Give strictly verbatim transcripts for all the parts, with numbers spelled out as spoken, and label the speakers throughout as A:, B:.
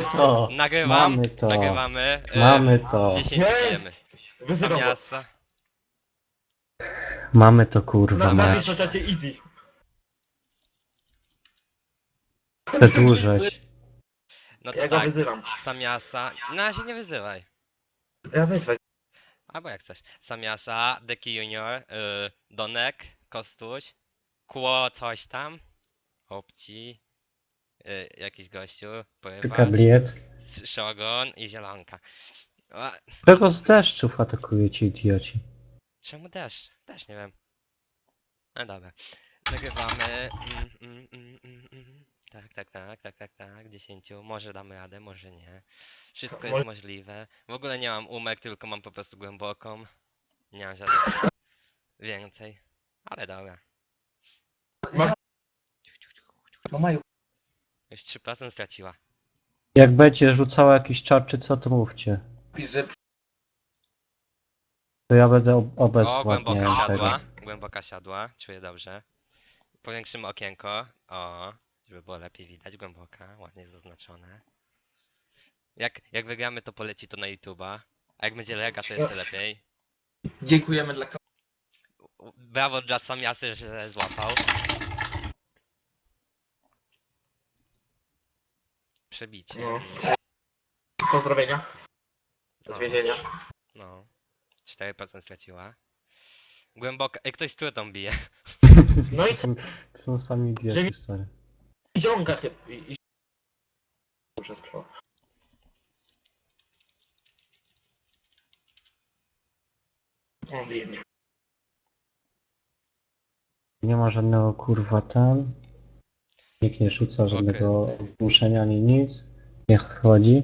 A: to!
B: Nagrywam,
A: Mamy to!
B: nagrywamy. y,
A: Mamy to!
B: dziesięć
C: Jest!
B: bijemy.
C: Wyzywam go.
B: Samiasa.
A: Mamy to kurwa
C: Na, napisz
A: mać.
C: na czacie easy.
A: Przedłużać.
B: No to
C: Ja go
B: tak,
C: wyzywam.
B: Samiasa. Na razie nie wyzywaj.
C: Ja wyzwę.
B: Albo jak chcesz. Samiasa, Deki Junior, y, Donek, Kostuś, Kło coś tam, Opci, y, jakiś gościu, Pływacz,
A: Kabliet.
B: Shogun i Zielonka. A,
A: Czego z deszczów atakują ci idioci?
B: czemu deszcz? Też nie wiem. No dobra. Nagrywamy. Mm, mm, mm, mm, mm. Tak, tak, tak, tak, tak, tak. dziesięciu. Może damy radę, może nie. Wszystko jest
C: Może-
B: możliwe. W ogóle nie mam umek, tylko mam po prostu głęboką. Nie mam żadnych więcej. Ale dobra.
C: No Maju.
B: Już trzy procent straciła.
A: Jak będzie rzucała jakiś czar czy co, to mówcie.
C: Pisze.
A: To ja będę ob-
B: O, głęboka
A: obezwładniającego.
B: siadła. Głęboka siadła. Czuję dobrze. Powiększymy okienko. O, żeby było lepiej widać. Głęboka. Ładnie zaznaczone. Jak, jak wygramy, to poleci to na YouTube'a. A jak będzie lega, to jeszcze lepiej.
C: Dziękujemy dla ka-
B: Brawo dla Samiasy, że złapał. Przebicie.
C: No. Pozdrowienia. Z więzienia.
B: No. cztery procent straciła. Głęboka. Ej, ktoś z trutą bije.
C: No i
A: To są, to są sami idioci, stary.
C: ziomka chyba. I, i... Muszę sprzedać. O, biednie.
A: Nie ma żadnego kurwa tam. Nikt nie rzuca żadnego ogłuszenia ani nic. Niech wchodzi.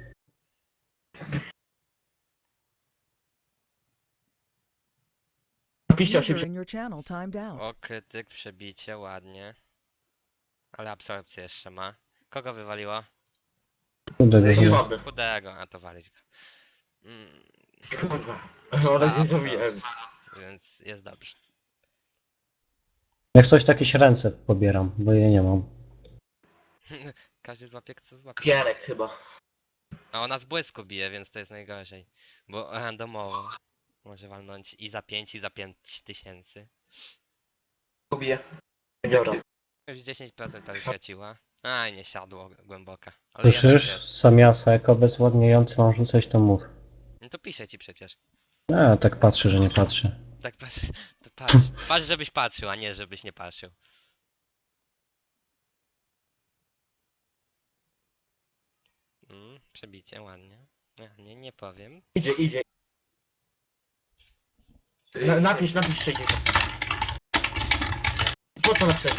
C: Napiszcie
D: User
C: osiem.
D: in your channel timed out.
B: O, krytyk, przebicie, ładnie. Ale absorpcję jeszcze ma. Kogo wywaliło?
A: Kurde,
C: Ej,
A: go-
C: słaby.
B: Chudego, a to walić go. Mm,
C: Kurwa. Ale nie zrobiłem.
B: więc jest dobrze.
A: Jak coś, to jakieś ręce pobieram, bo je nie mam.
B: Każdy złapie, kto złapie.
C: Pierek chyba.
B: A ona z błysku bije, więc to jest najgorzej. Bo randomowo może walnąć i za pięć, i za pięć tysięcy.
C: Kubię. Dobra.
B: Już dziesięć procent prawie straciła. Aj, nie siadło głęboka. Ale
A: Słyszysz?
B: jednak jest.
A: Samiasa, jako bezwładniający mam rzucać, to mów.
B: No to piszę ci przecież.
A: A, tak patrzę, że nie patrzę.
B: Tak patrz, to patrz. Patrz, żebyś patrzył, a nie żebyś nie patrzył. Mm, przebicie, ładnie. Nie, nie, nie powiem.
C: Idzie, idzie. Na, napisz, napisz sześćdziesiąt. Po co napisać?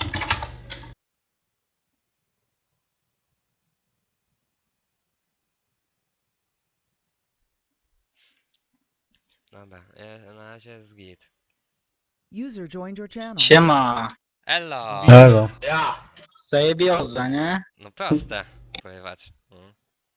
B: Dobra, e, na razie jest git.
D: User joined your channel.
E: Siema,
B: Elo!
A: Elo.
C: Ja.
E: zajebioza, nie?
B: No proste, pływać. Mm.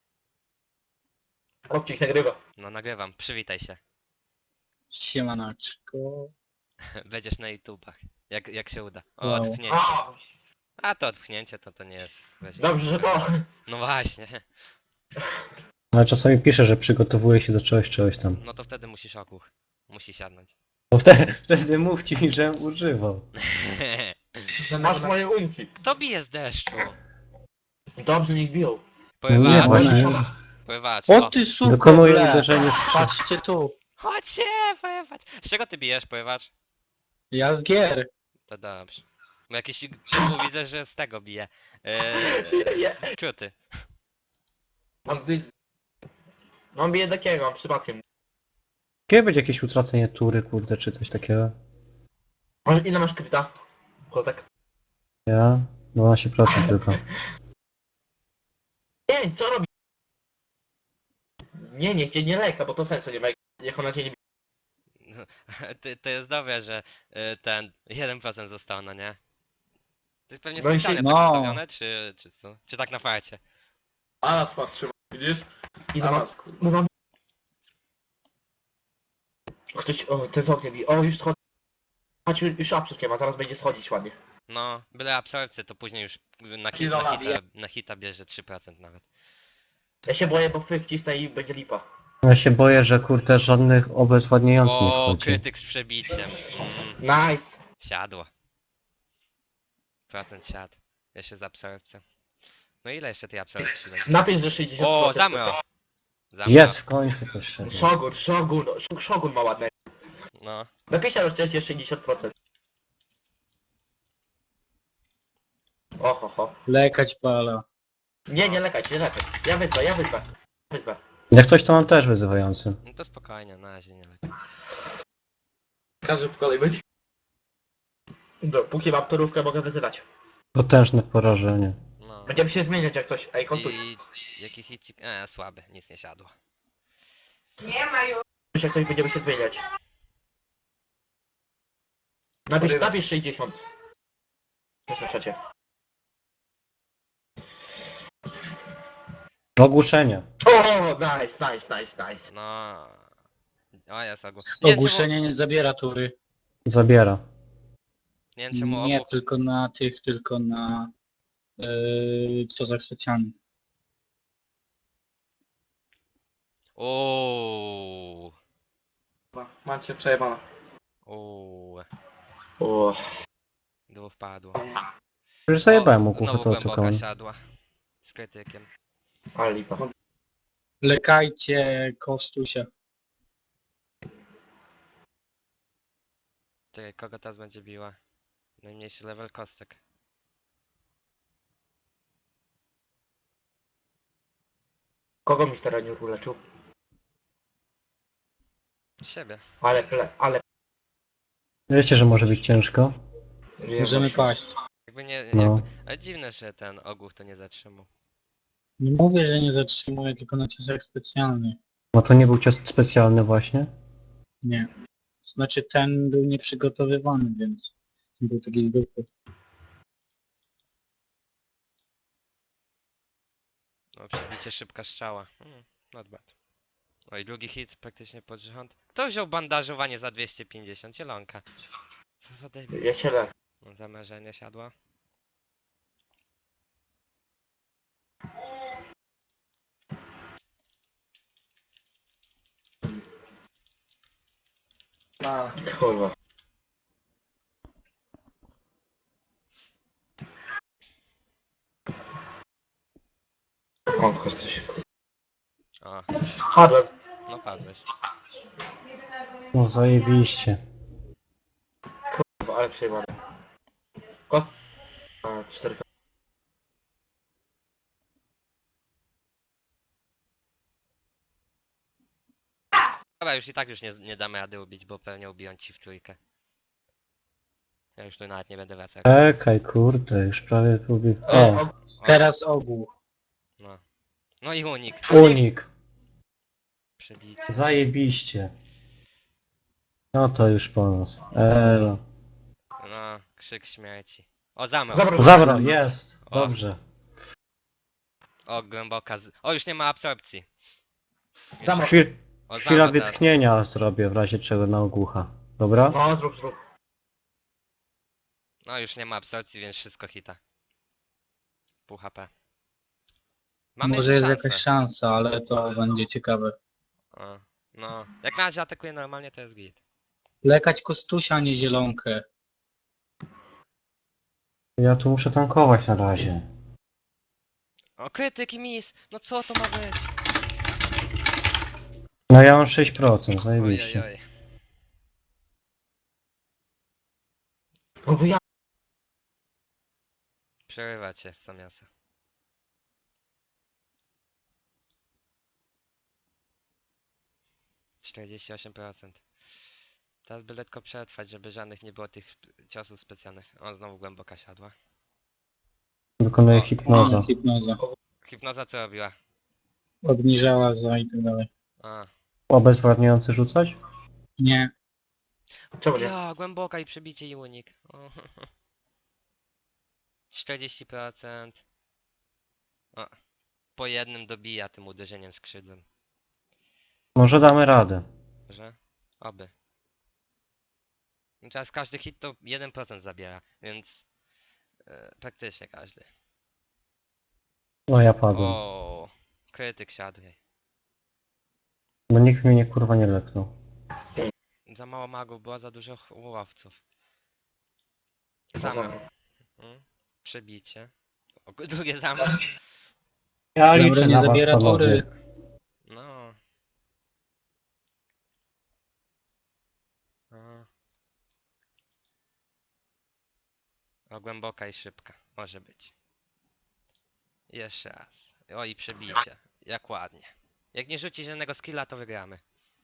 C: Opcik nagrywa.
B: No nagrywam, przywitaj się.
E: Siemanaczko.
B: Będziesz na YouTubach. Jak, jak się uda. O,
E: Wow.
B: odpchnięcie.
C: A,
B: A to odpchnięcie to to nie jest. weź-
C: dobrze, że to.
B: No właśnie.
A: Ale czasami pisze, że przygotowuje się do czegoś, czegoś tam.
B: No to wtedy musisz okuch. Musi siadnąć.
A: Bo wtedy, wtedy mówcie mi, że używał.
C: Masz moje umki.
B: To bije z deszczu.
C: Dobrze, niech biją.
A: Nie,
B: Pływacz.
A: właśnie.
B: Pływacz. O.
E: O ty super,
A: Dokonuje
E: ble.
A: uderzenie z krzyk.
E: Patrzcie tu,
B: Chodźcie, pływacz. Z czego ty bijesz, pływacz?
E: ja z gier.
B: To dobrze. Bo jakiś typu widzę, że z tego bije. Eee, Kruty.
C: Mam wy... Mam bije takiego, mam przypadkiem.
A: Kiedy będzie jakieś utracenie tury, kurde, czy coś takiego?
C: Może ile masz krypta? Kotek.
A: Ja? dwanaście procent tylko.
C: Nie, co robi? Nie, niech cię nie leka, bo to sensu nie ma. Jak ona cię nie bije.
B: To, to jest dobre, że y, ten jeden procent został, no nie? To jest pewnie
C: No i się-
B: specjalnie
E: no.
B: tak ustawione, czy, czy co? Czy tak na farcie?
C: A nas patrzy, widzisz? I to mam... mam... Ktoś, o, ten z ognia bije. O, już schodzi. Chodź, już absurd nie ma, zaraz będzie schodzić ładnie.
B: No, byle absorpcję, to później już na, hit,
C: Kilola
B: na, hita,
C: bije.
B: na hita bierze trzy procent nawet.
C: Ja się boję, bo fy wcisnę i będzie lipa.
A: Ja się boję, że kurde żadnych obezwładniających nie
B: O,
A: wchodzi.
B: krytyk z przebiciem. Mm,
C: Nice!
B: siadło. Procent siadł. Ja się z absorpcją. No ile jeszcze tej absorpcji będzie?
C: Napisz, że sześćdziesiąt procent.
B: O, zamro!
C: zostało.
B: Zamro.
A: Jest w końcu coś szedł.
C: Shogun, Shogun, Sh- Shogun ma ładne.
B: No.
C: Napiszcie na szczęście sześćdziesiąt procent. Oho, ho.
E: Lekać pala.
C: Nie, nie lekać, nie lekać. Ja wyzwę, ja wyzwę. Wyzwę.
A: Jak coś to mam też wyzywający.
B: No to spokojnie, na razie nie lepiej.
C: Każdy po kolei będzie. No, póki mam torówkę, mogę wyzywać.
A: Potężne porażenie.
B: No.
C: Będziemy się zmieniać jak coś. Ej, kontuś.
B: I jaki hicik? E, słaby, nic nie siadło.
C: Jak coś będziemy się zmieniać. Napisz, napisz sześćdziesiąt. Też na czacie.
A: Ogłuszenie.
C: O, nice, nice, nice, nice.
B: No. O, jest ogół. Nie wiem czemu,
E: Ogłuszenie nie zabiera tury.
A: Zabiera.
B: nie wiem czemu
E: Nie
B: ogół...
E: tylko na tych, tylko na yy, cozach specjalnych.
B: Uuu.
C: Macie przejebane.
B: Uuu.
C: O,
B: Dwóch padło.
A: Już zajebałem mu
B: O,
A: kuchę,
B: znowu
A: to
B: głęboka
A: oczekałem.
B: siadła. Z krytykiem.
C: ale lipa.
E: Lekajcie Kostusia.
B: Czekaj, kogo teraz będzie biła? Najmniejszy level kostek.
C: Kogo mister Aniur uleczył?
B: Siebie.
C: Ale, ple, ale...
A: Wiecie, że może być ciężko?
C: Nie,
E: Możemy
C: właśnie.
E: paść.
B: Jakby nie...
A: No.
B: Jakby, ale dziwne, że ten ogół to nie zatrzymał.
E: Nie mówię, że nie zatrzymuję, tylko na ciosach specjalnych.
A: No to nie był cios specjalny właśnie.
E: Nie. To znaczy ten był nieprzygotowywany, więc ten był taki zwykły.
B: No, przebicie szybka strzała. Hmm, not bad. Oj, drugi hit praktycznie pod rząd. Kto wziął bandażowanie za dwieście pięćdziesiąt? Zielonka. Co za debil.
C: Ja się lek.
B: No, zamierzenie siadło.
C: Kurwa. O, kostuś.
B: O,
C: Padłem.
B: no padłeś.
A: No zajebiście.
C: Kurwa, ale przejebane. Kost... A, cztery.
B: Dobra, już i tak już nie, nie damy rady ubić, bo pewnie ubiją ci w trójkę. Ja już tu nawet nie będę wracał.
A: Czekaj, kurde, już prawie próbuję.
C: O,
A: O,
C: o,
E: Teraz ogół.
B: No. No i unik.
A: unik.
B: Przebicie.
A: Zajebiście. No to już po nas. Elo.
B: No, krzyk śmierci. O, zamro.
C: Zabrał.
A: Zabra, jest.
B: O.
A: Dobrze.
B: O, głęboka z... O, już nie ma absorpcji.
C: Zamro.
A: Chwil,
B: O,
A: chwila
B: zamro teraz.
A: wytchnienia zrobię w razie czego na ogłucha. Dobra?
C: No, zrób, zrób.
B: No, już nie ma absorpcji, więc wszystko hita. Pół H P. Mamy
E: Może jest
B: szansę.
E: jakaś szansa, ale to będzie ciekawe.
B: O, no. Jak na razie atakuje normalnie, to jest git.
E: Lekać Kostusia, a nie zielonkę.
A: Ja tu muszę tankować na razie.
B: O, krytyk i mis! No co to ma być?
A: No ja mam sześć procent,
B: Oj,
A: zajebiście.
B: oj, oj.
C: No bo ja...
B: Przerywa cię z miasta. czterdzieści osiem procent. Teraz by lekko przetrwać, żeby żadnych nie było tych ciosów specjalnych. O, znowu głęboka siadła.
A: Wykonuję
B: O.
A: hipnozę.
E: Hipnoza.
B: Hipnoza co robiła?
E: Obniżała za i tak dalej.
B: A.
A: Obezwładniający rzucać?
E: Nie.
C: Czemu nie?
B: Ja, głęboka i przebicie i unik. O. czterdzieści procent. O. Po jednym dobija tym uderzeniem skrzydłem.
A: Może damy radę.
B: Że? Oby. No teraz każdy hit to jeden procent zabiera, więc e, praktycznie każdy.
A: No ja padłem.
B: O, krytyk siadł jej.
A: Bo nikt mnie nie kurwa nie lepnął.
B: Za mało magów, było za dużo ch- łowców.
C: Chyba
B: Zamach.
C: zamach.
B: Mm, Przebicie. O, drugie zamach.
A: Ja
E: Dobra,
A: liczę
E: nie
A: na was,
E: zabiera
A: panowie.
E: tory.
B: No. O. O, głęboka i szybka. Może być. Jeszcze raz. O, i przebicie. Jak ładnie. Jak nie rzuci żadnego skilla, to wygramy.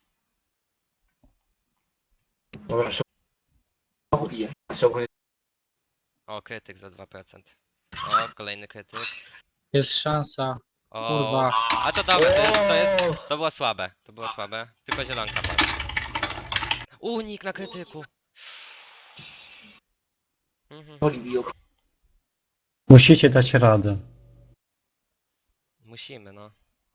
C: Dobra, szybko bije. Szybko jest.
B: O, krytyk za dwa procent. O, kolejny krytyk.
E: Jest szansa.
B: O,
E: Kurwa.
B: a to dobra, to jest, to jest, to było słabe. To było słabe. Tylko zielonka padła. Unik na krytyku. Mhm.
C: Woli biją.
A: Musicie dać radę.
B: Musimy, no.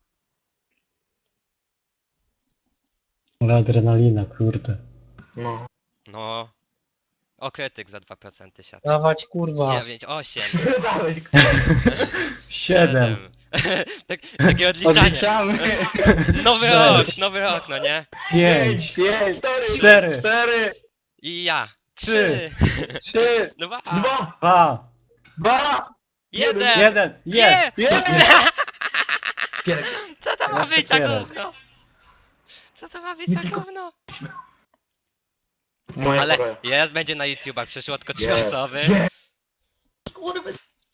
A: Ale adrenalina, kurde.
C: No.
B: No. O, krytyk za dwa procent siadł.
E: Dawać kurwa.
B: dziewięć, osiem.
C: Dałeś,
A: Siedem.
B: tak, takie odliczanie.
E: Odliczamy.
B: Nowy
A: Sześć.
B: rok, nowy rok, no nie?
A: Pięć.
E: Pięć,
C: cztery,
A: Cztery.
E: cztery,
B: I ja.
A: Trzy.
B: Trzy.
E: trzy,
B: Dwa.
C: dwa,
A: Dwa.
E: dwa,
B: Jeden.
A: Jeden. Jest.
E: jeden.
C: pięć.
B: Co to ma
A: Ja
B: być za
A: cukierek.
B: gówno? Co to ma być
C: Nie
B: za
C: tylko-
B: gówno?
C: Moja
B: Ale
C: pora.
B: jest, będzie na YouTubach, przyszło tylko trzy
C: Jest.
B: osoby.
C: Jest. Kurwa.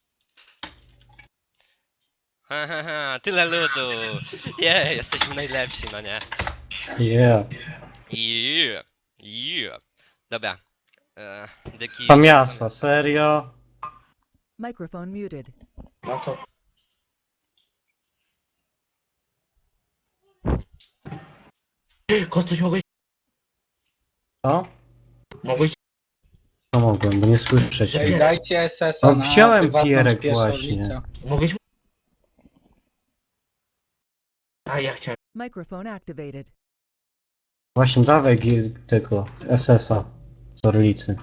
B: Ha, ha, ha, tyle ludu. Je, jesteśmy najlepsi, no nie?
A: Yeah.
B: Yeah. Yeah. Dobra. E, dyki.
A: To miasta, serio?
D: Microphone muted.
C: No co? Kostuś, mogłeś...
A: Co?
C: Mogłeś...
A: No mogłem, bo nie słyszę
C: Ej,
A: cię.
E: Dajcie S S a
A: No,
E: na
A: wziąłem
E: prywatną
A: pierek
E: spieszownicę.
C: Mogłeś... A ja chciałem...
D: Microphone activated.
A: Właśnie dawaj gi- tego S S a z Orlicy.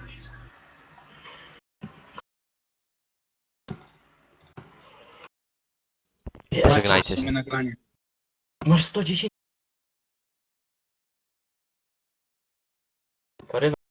B: Żegnajcie się.
E: Mamy nagranie.
C: Masz sto dziesięć... Porywa.